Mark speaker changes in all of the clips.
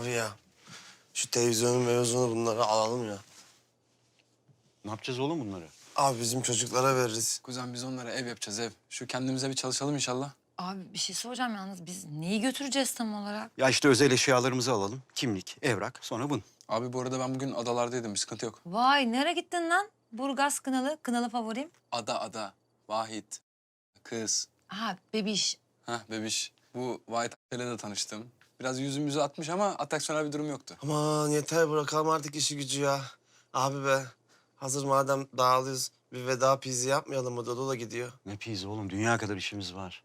Speaker 1: Abi ya, şu televizyonu bunları alalım ya.
Speaker 2: Ne yapacağız oğlum bunları?
Speaker 1: Abi bizim çocuklara veririz.
Speaker 3: Kuzen biz onlara ev yapacağız ev. Şu kendimize bir çalışalım inşallah.
Speaker 4: Abi bir şey soracağım yalnız biz neyi götüreceğiz tam olarak?
Speaker 2: Ya işte özel eşyalarımızı alalım. Kimlik, evrak, sonra bun.
Speaker 3: Abi bu arada ben bugün adalardaydım, bir sıkıntı yok.
Speaker 4: Vay nereye gittin lan? Burgaz kınalı favorim.
Speaker 3: Ada, Vahit, kız.
Speaker 4: Ha bebiş.
Speaker 3: Bebiş. Bu Vahit ile de tanıştım. Biraz yüzümüzü atmış ama atraksiyonel bir durum yoktu.
Speaker 1: Aman yeter bırakalım artık işi gücü ya. Abi be, hazır madem dağılıyoruz bir veda pizi yapmayalım mı? Dodo da gidiyor.
Speaker 2: Ne pizza oğlum, dünya kadar işimiz var.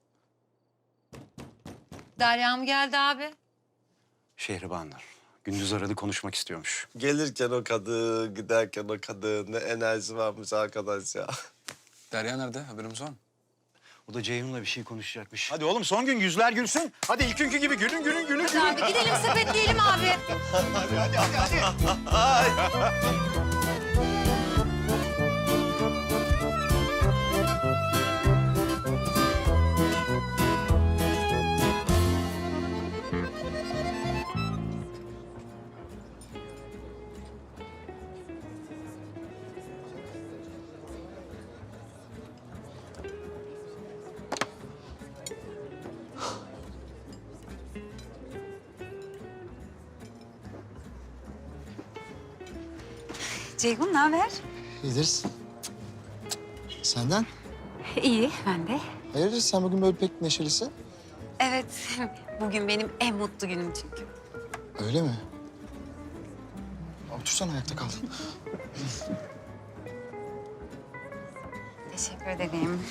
Speaker 4: Derya mı geldi abi?
Speaker 2: Şehribanlar. Gündüz aradı, konuşmak istiyormuş.
Speaker 1: Gelirken o kadın, giderken o kadın. Ne enerji varmış arkadaş ya.
Speaker 3: Derya nerede? Haberimiz var mı?
Speaker 2: O da Ceyhun'la bir şey konuşacakmış. Hadi oğlum son gün yüzler gülsün. Hadi ilk günkü gibi gülün.
Speaker 4: Hadi abi gidelim sepetleyelim abi.
Speaker 5: Ceyhun ne haber?
Speaker 6: İyidir. Senden?
Speaker 5: İyi, ben de.
Speaker 6: Hayırdır sen bugün böyle pek neşelisin?
Speaker 5: Evet, bugün benim en mutlu günüm çünkü.
Speaker 6: Öyle mi? Otursana ayakta kal.
Speaker 5: Teşekkür ederim.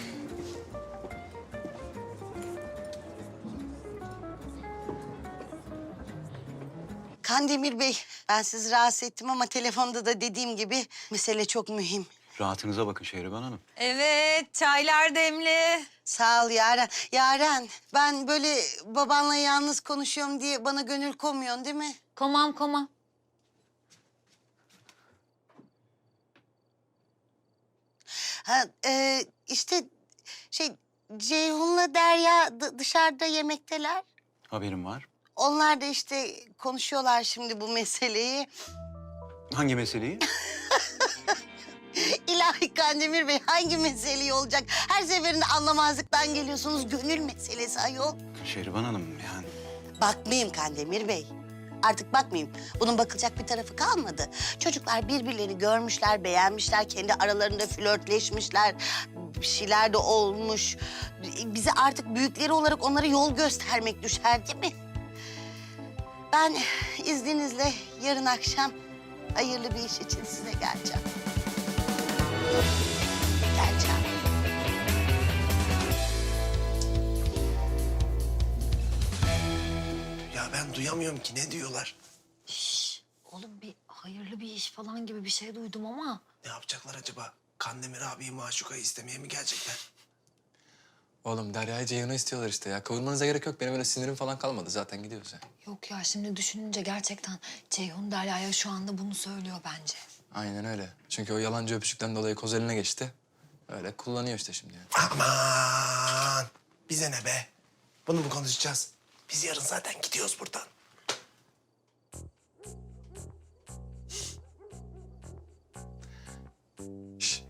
Speaker 7: Kandemir Bey, ben sizi rahatsız ettim ama telefonda da dediğim gibi mesele çok mühim.
Speaker 2: Rahatınıza bakın Şehriban Hanım.
Speaker 4: Evet çaylar demli.
Speaker 7: Sağ ol Yaren. Yaren, ben böyle babanla yalnız konuşuyorum diye bana gönül koymuyorsun değil mi?
Speaker 4: Komam.
Speaker 7: Ha, işte Ceyhun'la Derya dışarıda yemekteler.
Speaker 2: Haberim var.
Speaker 7: Onlar da işte konuşuyorlar şimdi bu meseleyi.
Speaker 2: Hangi meseleyi?
Speaker 7: İlahi Kandemir Bey, hangi meseleyi olacak? Her seferinde anlamazlıktan geliyorsunuz. Gönül meselesi ayol.
Speaker 2: Şehriban Hanım yani.
Speaker 7: Bakmayayım Kandemir Bey. Artık bakmayayım. Bunun bakılacak bir tarafı kalmadı. Çocuklar birbirlerini görmüşler, beğenmişler. Kendi aralarında flörtleşmişler. Bir şeyler de olmuş. Bize artık büyükleri olarak onlara yol göstermek düşer değil mi? Ben izninizle yarın akşam hayırlı bir iş için size geleceğim. Geleceğim.
Speaker 1: Ya ben duyamıyorum ki ne diyorlar?
Speaker 4: Oğlum bir hayırlı bir iş falan gibi bir şey duydum ama.
Speaker 1: Ne yapacaklar acaba? Kandemir abiyi Maşuka'yı istemeye mi gelecekler?
Speaker 3: Oğlum Derya'yı Ceyhun'u istiyorlar işte ya. Kavurmanıza gerek yok. Benim öyle sinirim falan kalmadı. Zaten gidiyoruz ya.
Speaker 4: Yok ya şimdi düşününce gerçekten Ceyhun Derya'ya şu anda bunu söylüyor bence.
Speaker 3: Aynen öyle. Çünkü o yalancı öpücükten dolayı koz eline geçti. Öyle kullanıyor işte şimdi yani.
Speaker 1: Aman! Bize ne be? Bunu mu konuşacağız? Biz yarın zaten gidiyoruz buradan.
Speaker 3: Şş.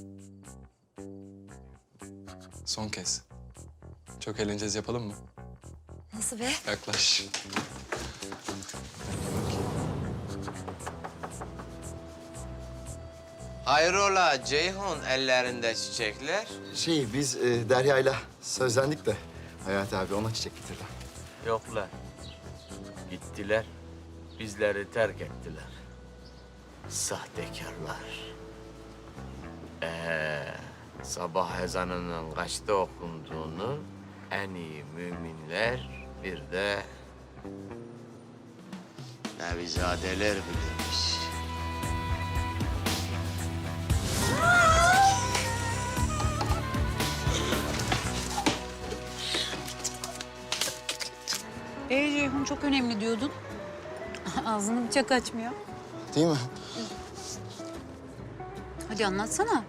Speaker 3: Son kez. Çok eğleneceğiz, yapalım mı?
Speaker 4: Nasıl be?
Speaker 3: Yaklaş.
Speaker 8: Hayrola Ceyhun, ellerinde çiçekler?
Speaker 6: Biz Derya'yla sözlendik de Hayati abi ona çiçek getirdi.
Speaker 8: Yoklar. Gittiler, bizleri terk ettiler. Sahtekarlar. Sabah ezanının kaçta okunduğunu en iyi müminler bir de nevizadeler bilirmiş.
Speaker 5: Ceyhun çok önemli diyordun. Ağzını bıçak açmıyor.
Speaker 6: Değil mi?
Speaker 5: Hadi anlatsana.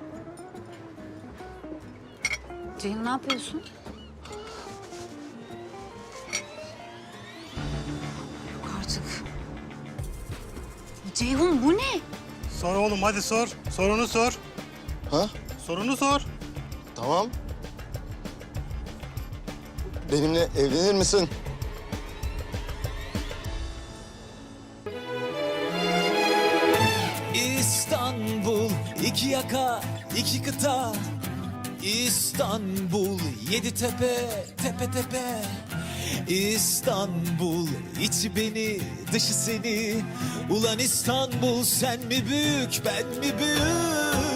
Speaker 5: Ceyhun ne yapıyorsun? Yok artık. Ceyhun bu ne?
Speaker 9: Sor oğlum hadi sor. Sorunu sor.
Speaker 6: Ha?
Speaker 9: Sorunu sor.
Speaker 6: Tamam. Benimle evlenir misin?
Speaker 10: İstanbul, iki yaka, iki kıta. İstanbul, yedi tepe, tepe tepe. İstanbul, içi beni, dışı seni. Ulan İstanbul, sen mi büyük, ben mi büyük?